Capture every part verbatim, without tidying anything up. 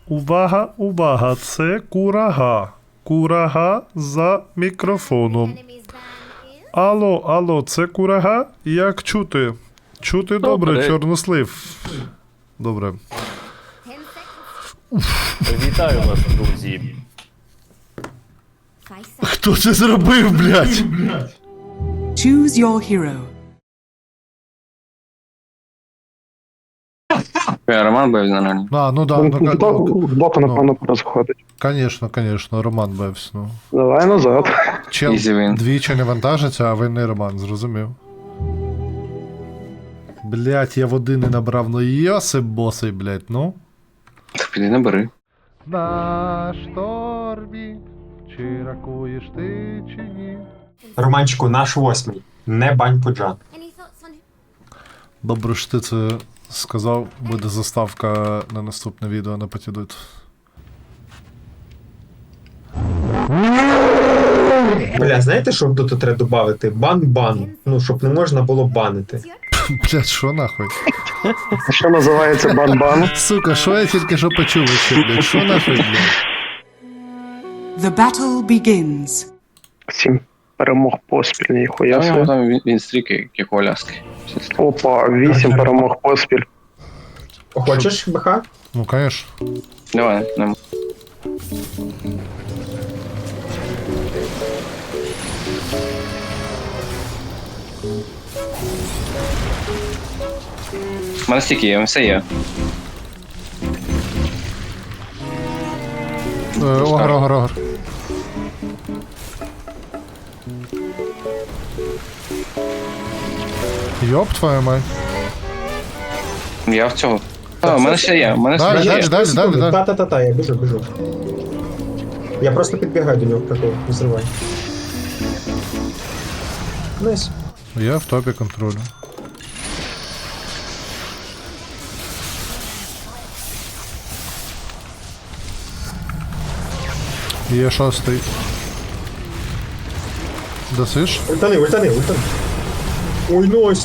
Увага, увага, це курага. Курага за мікрофоном. Алло, алло, це курага? Як чути? Чути добре, Добре. чорнослив. Добре. Вітаю вас, друзі. Хто це зробив, блядь? Choose your hero. Роман Бевз, наверное. А, ну да, ну, Хто ну, в боку, напевно, розходить. конечно, конечно, Роман Бевс, ну. Давай назад. Чел Easy win. двічі не вантажиться, а винний Роман, зрозумів. Блять, я води не набрав, ну йосип босий, блять, ну. Так піди набери. На штормі, чи ракуєш ти, чи ні? Романчику, наш восьмий. Не бань пуджа. Добре, що ти це сказав, буде заставка на наступне відео на Патідут. Бля, знаєте, що тут треба додати? Бан-бан. Ну, щоб не можна було банити. Блять, що нахуй? Що називається бан-бан? Сука, що я тільки що почув ще, блять, що нахуй, блять? The battle begins. Сім перемог поспіль, ніхуя Я себе. там він, він стріки, як у Аляски. Опа, вісім перемог поспіль. Хочеш, БХ? Ну, конечно. Давай, нема. У мене стільки є, все є. Е, Огр, огр, огр. Йоп твою мать. Я в цього. А, у мене ще є, у мене Далі, ще далі, є. далі, далі, далі. Та-та-та-та, я біжу, біжу. Я просто підбігаю до нього, прикол, не зривай. Найс. Я в топі контролю. Є шостий. Досиш? Ультани, ультани, ультани. Ой, найс.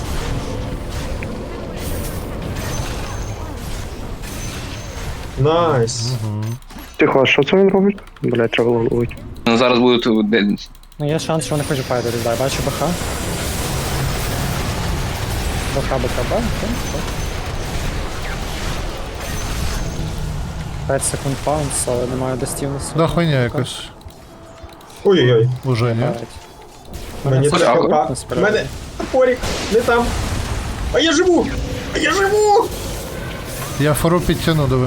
Найс. Тихо, а що це він робить? Блять, треба ловити. Ну, зараз будуть де- Ну є шанс, що вони хочуть файтити, дай, бачу БХ. БХ, БХ, Б, п'ять секунд паунс, але немає достівності. Да хуйня якось. Ой-ой-ой. Уже ні. Мені це так правда. хапа. У мене топорик, не там. А я живу! А я живу! Я фору підтягну, диви.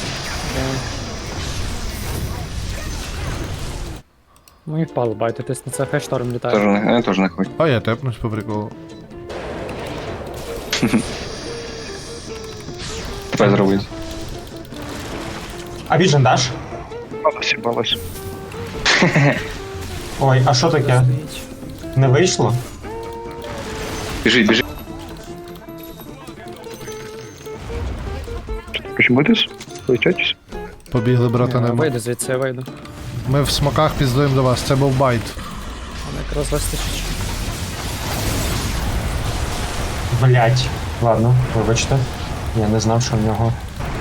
Ну і впало байтитись на це, хай шторм теж літає. не, я теж не хочу. А я тепнусь по приколу. Тепер зробити. А віжен даш? Балась, балась. Ой, а що таке? Не вийшло? Біжить, біжить. Хоч будеш? Летятись? Побігли, брата, Я нема. вийду звідси, я вийду. Ми в смоках піздуємо до вас, це був байт. Мене якраз вистачить. Блять. Ладно, вибачте. Я не знав, що в нього.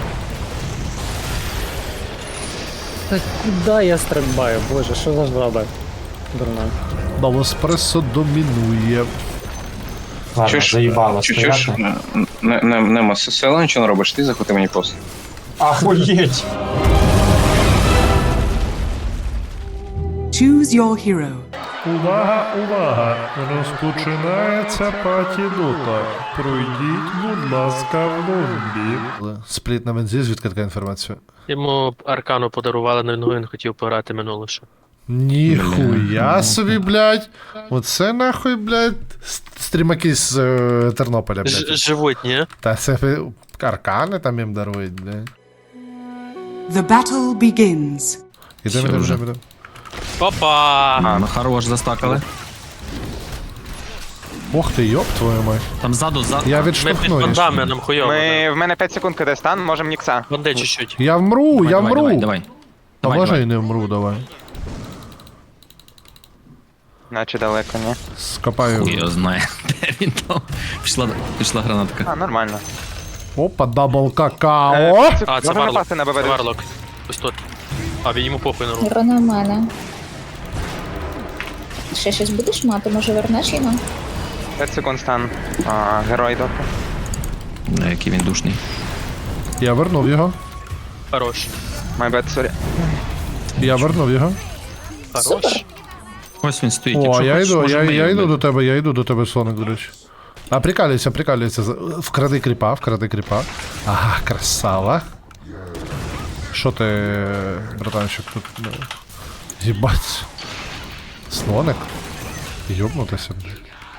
Та куди я стрибаю, боже, що за жаба? Дурна. Новоспресо домінує. Ладно, Чуєш, заїбало чу- чуєш, стояти. не, не, нема села, нічого не робиш, ти заходи мені просто. Ахуєть! Choose your hero. Увага, увага! Розпочинається патідота. Пройдіть, будь ласка, в лобі. Спліт на бензі, звідки така інформація? Йому аркану подарували, на він хотів пограти минуле ще. Ніхуя собі, блядь. Оце нахуй, блядь, с- стрімаки з е, Тернополя, Ж- блядь. Живуть, ні? Та це ви аркани там їм дарують, блядь. The battle begins. Ідемо, ідемо, ідемо, ідемо. Опа! А, ну хорош, застакали. Ох ти, йоп твою мать. Там ззаду, ззаду. Я Ми під відштовхну. їх. бандами, нам хуйово. Ми, в мене п'ять секунд киде стан, можем нікса. Банди чуть-чуть. Я вмру, Давай, я давай, вмру. Давай, давай. А Давай, може давай. і не вмру, давай. Наче далеко, ні? Скопаю. Хуй його знає. Де він там? Пішла, пішла гранатка. А, нормально. Опа, дабл какао. Е, А, це можемо Варлок. напасти на Це ББ. Варлок. Ось тут. А, він йому похуй на руку. Гро на мене. Ще щось будеш мати, може вернеш його? п'ять секунд стан. А, герой доки. Бля, який він душний. Я вернув його. Хорош. My bad, sorry. Я вернув його. Хорош. Ось він стоїть. О, Якщо я хочеш, йду, я, можемо я її йду вбити. до тебе, я йду до тебе, Соник, до речі. А прикалюйся, прикалюйся. Вкради кріпа, вкради кріпа. Ага, красава. Що ти, братанчик, тут? ну, Їбать. Слоник? Йобнутися, блядь.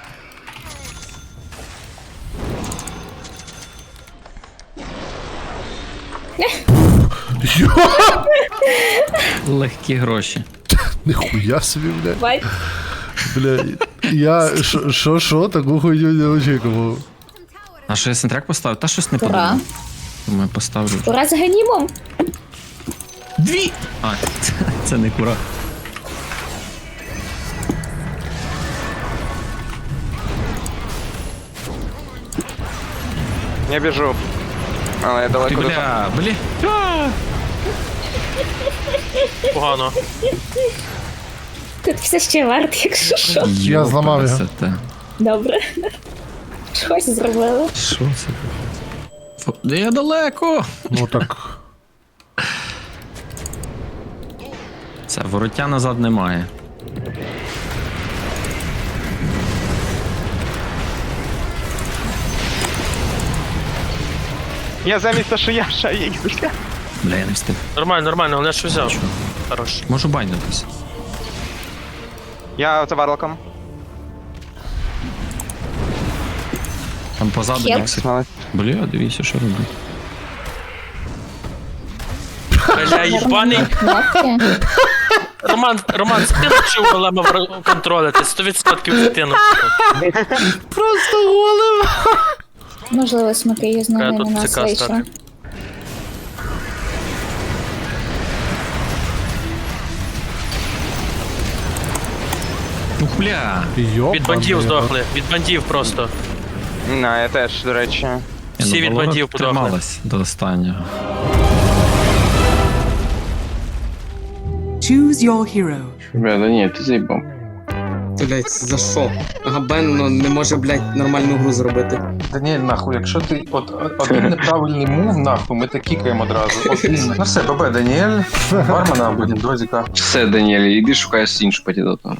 Йо! Легкі гроші. Ніхуя собі, блядь. Бать. Бля, я що, що, таку хуйню не очікував. А що я сентряк поставив? Та щось не Ура. подумав. Думаю, поставлю. Ура з ганімом! Дві! А, це, це не кура. Я біжу. Але я Ти, далеко до бля, бля. А! Погано. Тут все ще варт, якщо що. Я зламав його. Йопарасоте. Добре. Щось зробили. Що це? Фу, де я далеко? Ну так. Це вороття назад немає. Я замість що я шаю їх. Бля, я не встиг. Нормально, нормально, головне, що взяв. Хорош. Можу байнутись. Я за варлоком. Там позаду Хелп. Ніксик. Молодець. Бля, дивіться, що робить. Бля, їбаний. Кнопки. Роман, Роман, це ти навчив голема контролити, сто відсотків це ти навчив. Просто голим. Можливо, смаки її з Треба ними тут на нас ЦК вийшла. стати. Ух, бля. Йоп. Від бандів здохли, від бандів просто. На, я теж, до речі. Всі Ні, ну, від Валора бандів подохли. трималась до останнього. Choose your hero. Бля, да ні, ти заїбав. Блять, за що? Ага, Бен ну, не може, блять, нормальну гру зробити. Даніель, нахуй, якщо ти от один неправильний мув, нахуй, ми так кікаємо одразу. Один. Ну все, ББ, Даніель, бармена або Дозіка. Все, Даніель, іди шукай іншу патідоту.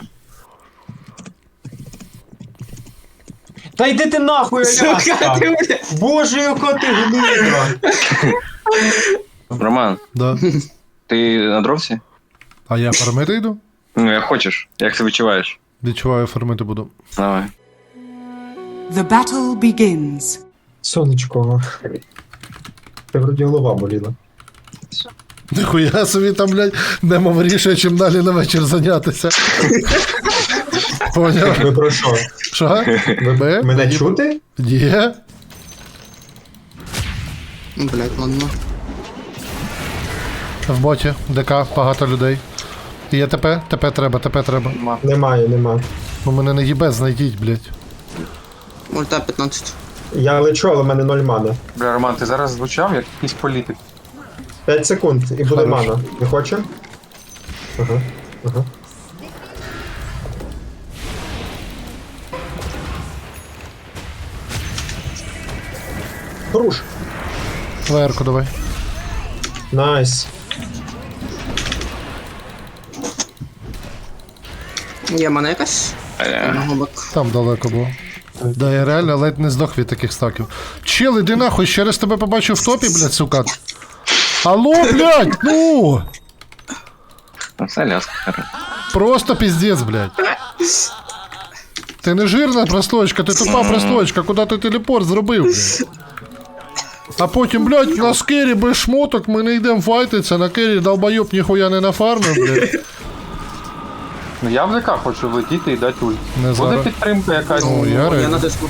Та йди ти нахуй, Сука, Аляска! ти, блядь. Боже, яка ти гнида! Роман, Да. ти на дровці? А я фармити йду? Ну, як хочеш. Як себе відчуваєш? Відчуваю, фармити буду. Давай. The battle begins. Сонечко. Ти вроді голова боліла. Ніхуя собі там, блядь, нема вирішує, чим далі на вечір зайнятися. Поняв? Ви про що? Що? ББ? Мене чути? Є? Блять, ладно. В боті, ДК, багато людей. Є ТП? ТП треба, ТП треба. Немає, нема. Бо мене не їбе, знайдіть, блядь. Мульта п'ятнадцять. Я лечу, але в мене ноль мана. Бля, Роман, ти зараз звучав як якийсь політик. п'ять секунд і буде Хорош. мана. Не хоче? Ага, ага. Руш. Лаерку давай. Найс. Є мене якась? Одного бок. Там далеко було. Да, я реально ледь не здох від таких стаків. Чел, іди нахуй, ще раз тебе побачу в топі, блядь, сука. Алло, блядь, ну! Ну, це ляска. Просто пиздец, блядь. Ти не жирна простоечка, ти тупа простоечка, куди ти телепорт зробив, блядь. А потім, блядь, на скері без шмоток ми не йдемо файтиться, на кері долбойоб ніхуя не нафармив, блядь. Ну я в ДК хочу влетіти і дати ульт. Не Буде зараз. підтримка якась. О, я Я реально. на диску.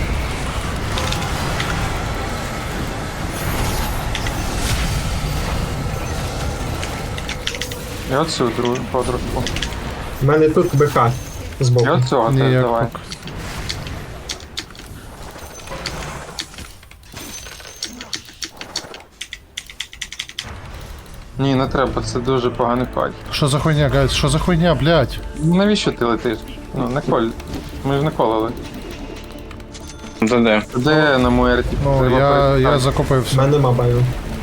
І оцю другу подружку. У мене тут БК І збоку. от цього теж Ніяк давай. поки. Ні, не треба, це дуже поганий файт. Що за хуйня, гайс? Що за хуйня, блядь? Навіщо ти летиш? Ну, не коль. Ми ж не колили. Де де? Де на Муерті? Ну, Треба я, перестати. я У закупився. мене нема баю.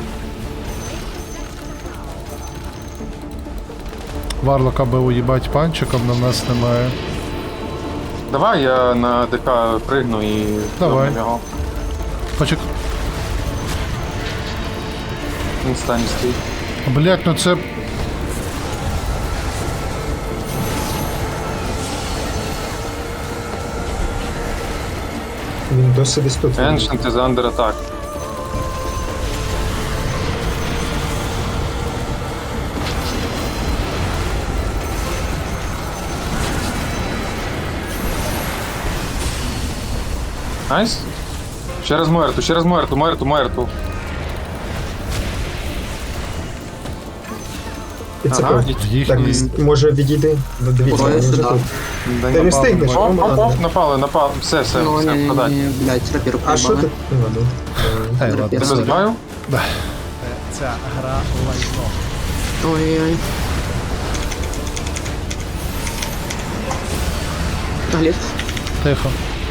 Варлока би уїбать панчиком, на нас немає. Давай я на ДК пригну і Давай. доб'ю його. Почек... Він стані стоїть. Блядь, ну це... Він досі десь тут. Ancient is under attack. Найс. Ще раз Муерту, ще раз Муерту, Муерту, Муерту. І це Ага. так, Їхній... може відійди. Ну, дивіться, Ой, він вже сюди. тут. Да Ти не встигнеш. Оп, оп, Роман. оп, напали, напали. Все, все, Ну, все, ні, впадай. ні, блядь, рапіру А що ти? Ну, ладно. Ей, ладно. Тебе збиваю? Ой-ой-ой. Глеб. Тихо.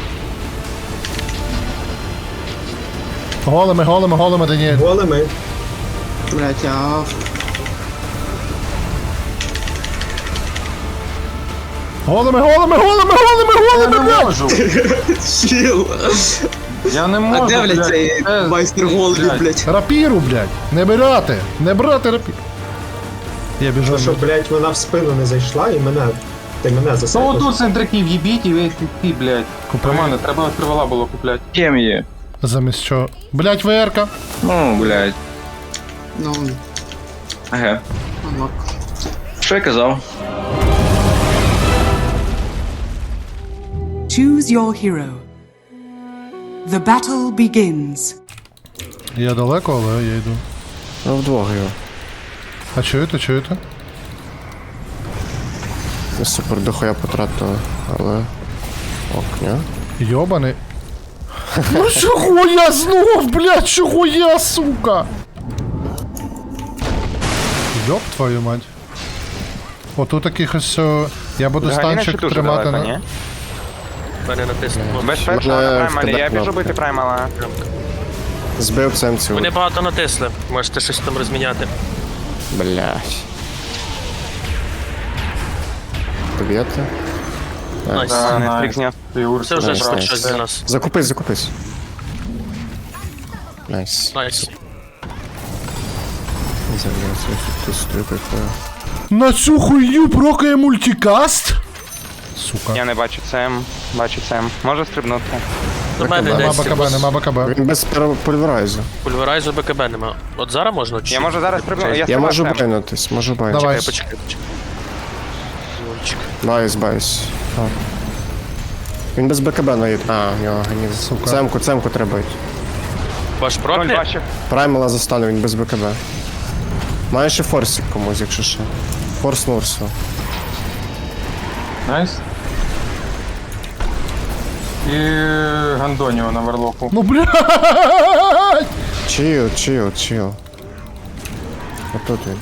Голими, голими, голими, Даніель. Голими. Блядь, а... Голими, голими, голими, голими, Я голими, не блядь! можу. Чил. Я не можу, А де, блядь, цей Це- майстер голубів, блядь. блядь? Рапіру, блядь! Не брати! Не брати рапіру! Я біжу. То, що, блядь, вона в спину не зайшла і мене... Ти мене Ну засипав. отут центриків їбіть і ви ти, блядь. Купи. Романе, треба тривала було купляти. Кем є? Замість чого? Блядь, ВРка! Ну, блядь. Ну, Ага. ну, Що я казав? Choose your hero. The battle begins. Я далеко, але я йду. Ну, вдвох його. А чуєте, чуєте? Я супер дохуя потратили, але... Ок, ні? Йобаний. Ну чого я знов, блядь, чого я, сука? Йоб твою мать. Отут таких ось... о, Я буду станчик тримати на... Мене натиснуло. Безпечно Мене на праймалі, я вкиде біжу кнопки. бити праймала. Збив цемцю. Вони багато натисли. Можете щось там розміняти. Блядь. Доб'єте? Найс. А, Netflix найс. зняв. Ти Урс. Це вже Найс, щось найс. щось для нас. Закупись, закупись. Найс. Найс. Зав'язуй, ти стою такою. На цю хуйню прокає мультикаст? Сука. Я не бачу цем, бачу цем. Може стрибнути. До мене Нема десь. БКБ, нема БКБ. Він без пульверайзу. Пульверайзу БКБ нема. От зараз можна? Чи? Я можу зараз стрибнути. Я, Я стрибаю можу цем. байнутись, можу байнутись. Давай. Почекай, почекай, почекай. Зончик. Байс, байс. А. Він без БКБ наїде. А, в нього ганів. Сука. Цемку, цемку треба йти. Ваш Ноль проклі? бачив. Праймала застану, він без БКБ. Має ще форсик комусь, якщо що. Форс Нурсу. Найс. І Гандоніо на верлоку. Ну блядь! Чил, чил, чил. Отут він.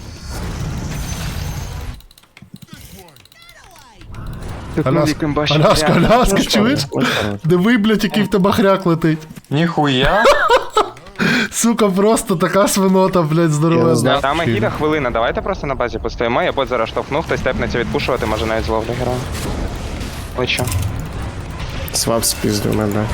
Аляска, Аляска, Аляска, чуєш? Диви, блядь, який в тебе хряк летить. Ніхуя. Сука, просто така свинота, блядь, Я не здорова. знаю. Там гіда хвилина, давайте просто на базі постоїмо, я бот зараз штовхнув, хтось тепнеться відпушувати, може навіть зловлю героя. Лечу. Свап спіздив мене.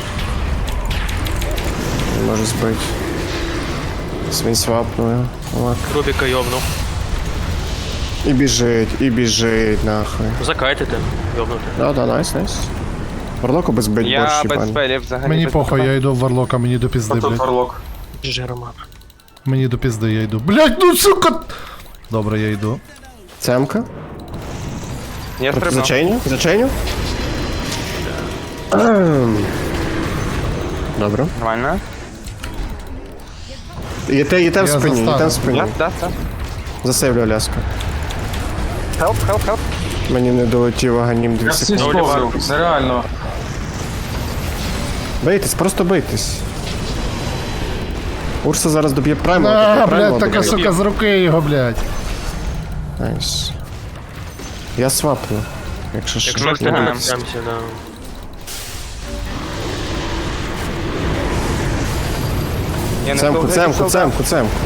Не можу збити. Він свапнує. От. Рубіка йобнув. І біжить, і біжить, нахуй. Закайтите. Йобнути. Да, да, найс, найс. Варлоку без бить Я борщ, без їбань. спелів взагалі. Мені без похуй, БКБ. я йду в Варлока, мені до А пізди, тут блядь. верлок. Жи, Роман. Мені до пізди, я йду. Блядь, ну сука! Добре, я йду. Цемка? Я стрибнув. Зачейню? Зачейню? Ем. Добре. Нормально. Є те, є те в Я спині, є те застану. в спині. Я, да, це. Засейвлю Аляску. Хелп, хелп, хелп. Мені не долетів аганім дві Я всі секунди. сповзив. Це реально. Бийтесь, просто бийтесь. Урса зараз доб'є прайму. А, блядь, така сука з руки його, блядь. Найс. Я сваплю, якщо що. Якщо встигаємо. Прямся, да. Я не Цемку, встиг цемку, зайти цемку, цемку.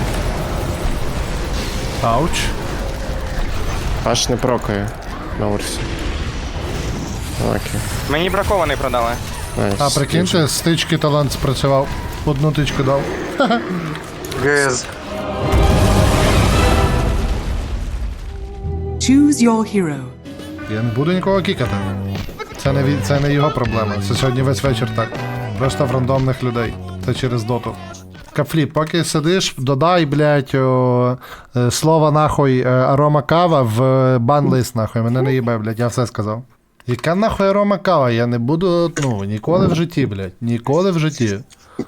Ауч. Аж не прокає на Урсі. Окей. солдат. Мені бракований продали. Найс. А прикиньте, стички талант спрацював. Одну тичку дав. ГС. Choose your hero. Я не буду нікого кікати. Це не, від- це не його проблема. Це сьогодні весь вечір так. Просто в рандомних людей. Це через доту. Кафліп, поки сидиш, додай, блядь, о, е, слово нахуй е, арома кава в бан-лист, нахуй. Мене не їбе, блядь, я все сказав. Яка нахуй арома кава? Я не буду, ну, ніколи в житті, блядь. Ніколи в житті.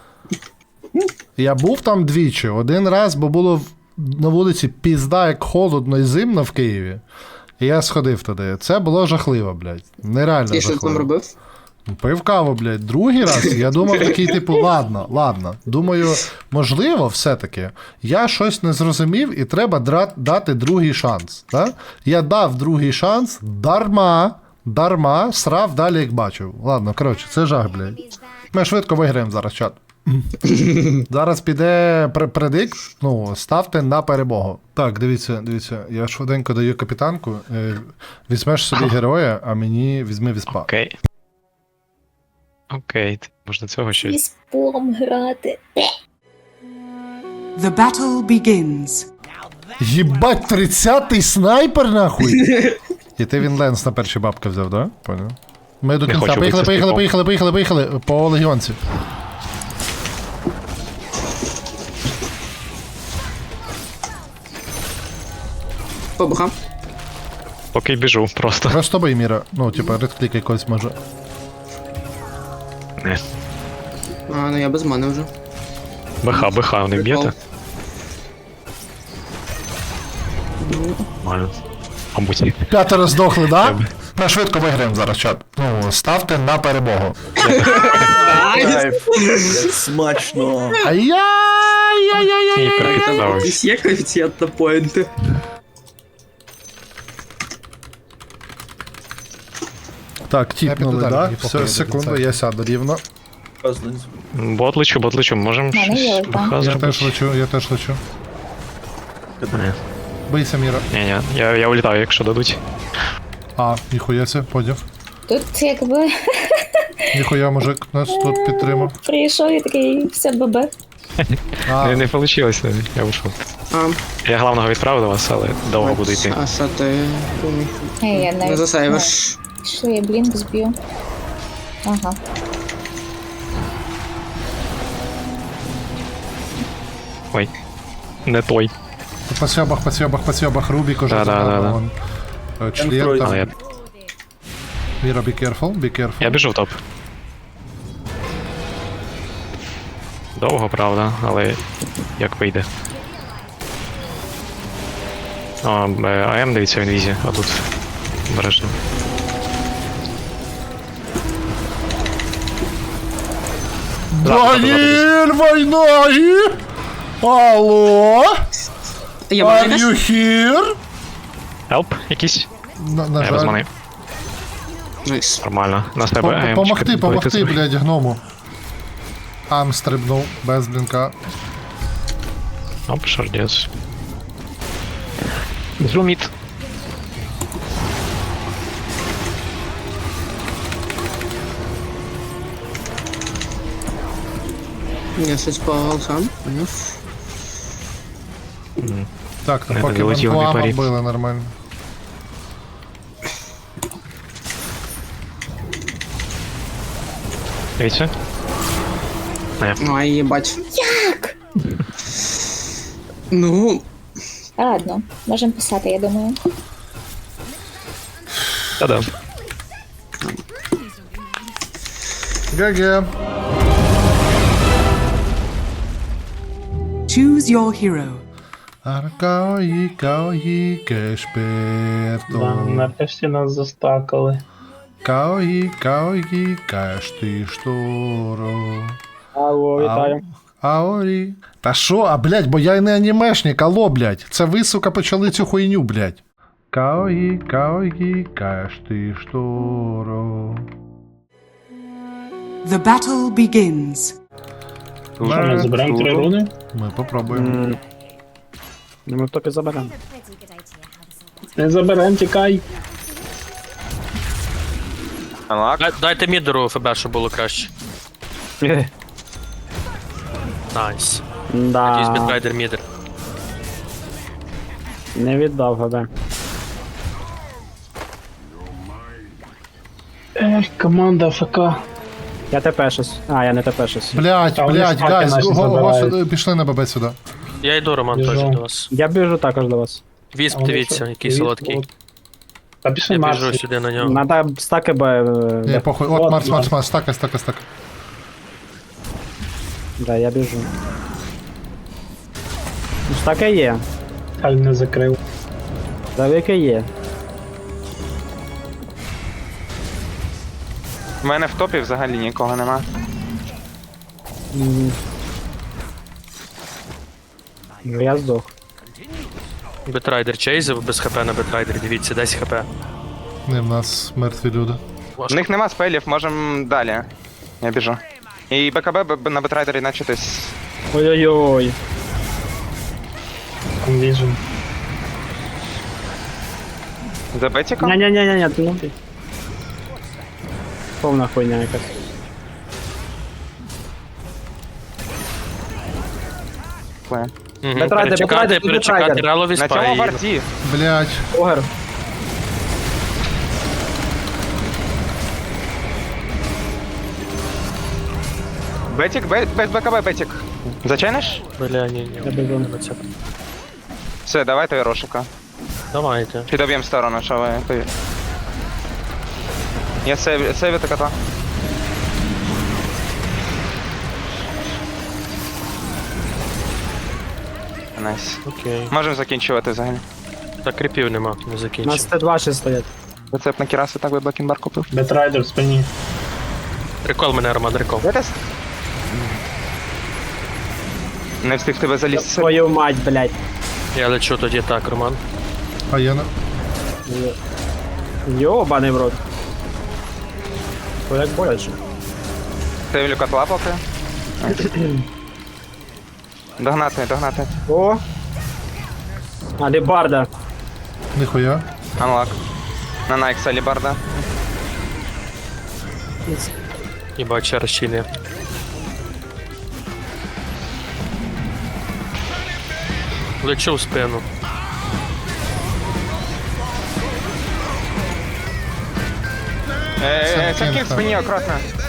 Я був там двічі. Один раз, бо було в- на вулиці пізда, як холодно і зимно в Києві. І я сходив туди. Це було жахливо, блядь. Нереально І що ти там жахливо. робив? Пив каву, блядь. Другий раз я думав такий, типу, ладно, ладно. Думаю, можливо, все-таки я щось не зрозумів і треба дра- дати другий шанс. Да? Я дав другий шанс, дарма, дарма, срав далі, як бачив. Ладно, коротше, це жах, блядь. Ми швидко виграємо зараз, чат. Зараз піде пр- предикт, ну, ставте на перемогу. Так, дивіться, дивіться, я швиденько даю капітанку. Е, візьмеш собі героя, а мені візьми віспа. Окей. Окей, можна цього ще. Віспом грати. The battle begins. Єбать, тридцятий снайпер, нахуй! І ти він Ленс на перші бабки взяв, да? Понял. Ми до кінця. хочу Поїхали, битися з поїхали, типом. поїхали, поїхали, поїхали. По легіонці. Побухав. Поки біжу, просто. Просто бий, Міра. Ну, типа, редклік якось може. Не. А, ну я без мене вже. БХ, БХ, не б'єте? Нормально. Мабуть. П'ятеро здохли, да? Ми швидко виграємо зараз, чат. Ну, ставте на перемогу. Смачно. І Ай-яй-яй-яй-яй-яй. перекидав. Десь є коефіцієнт на поінти. Так, тіпнули, да? Все, секунду, я сяду рівно. Бот лечу, бот лечу, можемо Мене є щось ульта. БХ Я зробити? теж лечу, я теж лечу. Ні, Бийся, Міра. ні, ні, я, я улітаю, якщо дадуть. А, ніхуя це, подяв. Тут якби Ніхуя, мужик нас тут підтримав. прийшов і такий все бабе. А, Не, не вийшло, я вийшов. А, Я главного відправив до вас, але довго буду йти. а що ти думаєш? Ей, я Не навіть... засейвиш. Що я блінк зб'ю? Ага. Ой, не той. по сьобах, по сьобах, по сьобах, Рубік уже Да-да-да-да. забрав, вон. Е, Член Але там. я, Міра, be careful, be careful. я біжу в топ. Довго, правда, але як вийде. О, е, АМ, дивіться, в інвізі, а тут обережно. Даніель, война! Алло? Я Are можу you here? Help якийсь? На, на Я без жаль. мани. Найс. Нормально. На тебе Пом- АМ. Помогти, помогти, блядь, гному. Ам стрибнув, без блінка. Оп, шардец. Зуміт. Я щось погал сам. Поняв. Так, то Не поки долетів, по не амам парі. били нормально. Дивіться. Не. Ну, а їбать. Як? Ну, Ладно, можемо писати, я думаю. Та-да. ГГ. Choose your hero. Аркаої, каої, кешперто. Нарешті нас застакали. Каої, каої, кеш ти шторо. Алло, Ау, Аорі. Та що? А, блядь, бо я не анімешник, алло, блядь. Це ви, сука, почали цю хуйню, блядь. Каої, каої, каш ти шторо. The battle begins. Ми заберемо три руни? Ми попробуємо. Ми в топі заберемо. Не заберемо, тікай. Анлак. Дай- Дайте мідеру ФБ, щоб було краще. Найс. Надіюсь, Да, бітрайдер мідер. не віддав ГБ. Ех, команда АФК. Я ТП щось. А, я не ТП щось. Блядь, Та вони блядь, стаки гайз, наші го- го- забирають. сюди, пішли на ББ сюди. Я йду, Роман, Біжу. теж до вас. Я біжу також до вас. Вісп, дивіться, який солодкий. Та пішли Я біжу сюди на нього. Надо стаки Б. Ні, похуй. От, Марс, Марс, Марс, стака, стака, стака. Да, я біжу. Ну, стаки є. Хай не закрив. Давики є. У мене в топі взагалі нікого нема. М. Ну, я здох. Бітрайдер чейзив без хп на бітрайдері, дивіться, десять хп. Не, в нас мертві люди. В них нема спелів, можем далі. Я біжу. І БКБ б- б- на бетрайдері начатись. Ой-ой-ой. Вижу. За бетіком? Ня-ня-ня-ня, ну ти. Повна хуйня якась. Пле. Угу. Бітрайдер, Перечекати, бітрайдер, перечекати бітрайдер. ралові На цьому спаї. варді. Блядь. Огер. Бетік, бе- без БКБ бетік. Зачиниш? Бля, ні, ні. Я біжу. на це. Все, давайте Рошика. Давайте. Підоб'єм сторону, що ви. ти- Я сейв, сейвити кота. Найс. Окей. Можемо закінчувати взагалі. Так, кріпів нема, не У нас закінчив. Т два ще стоять. Рецепт на Кірасу так би Блекінбар купив. Бетрайдер в спині. Рекол мене, Роман, рекол. Де тест? Не встиг тебе залізти. Твою мать, блядь. Я лечу тоді так, Роман. А я на... Йобаний в рот. То як боляче. Сейвлю котла поки. Догнати, догнати. О! Алібарда. Ніхуя. Анлак. На Найкса Лібарда. Їбать, ще раз чилі. Лечу в спину. Е, Це е, Сапкін в кінка. спині, акуратно.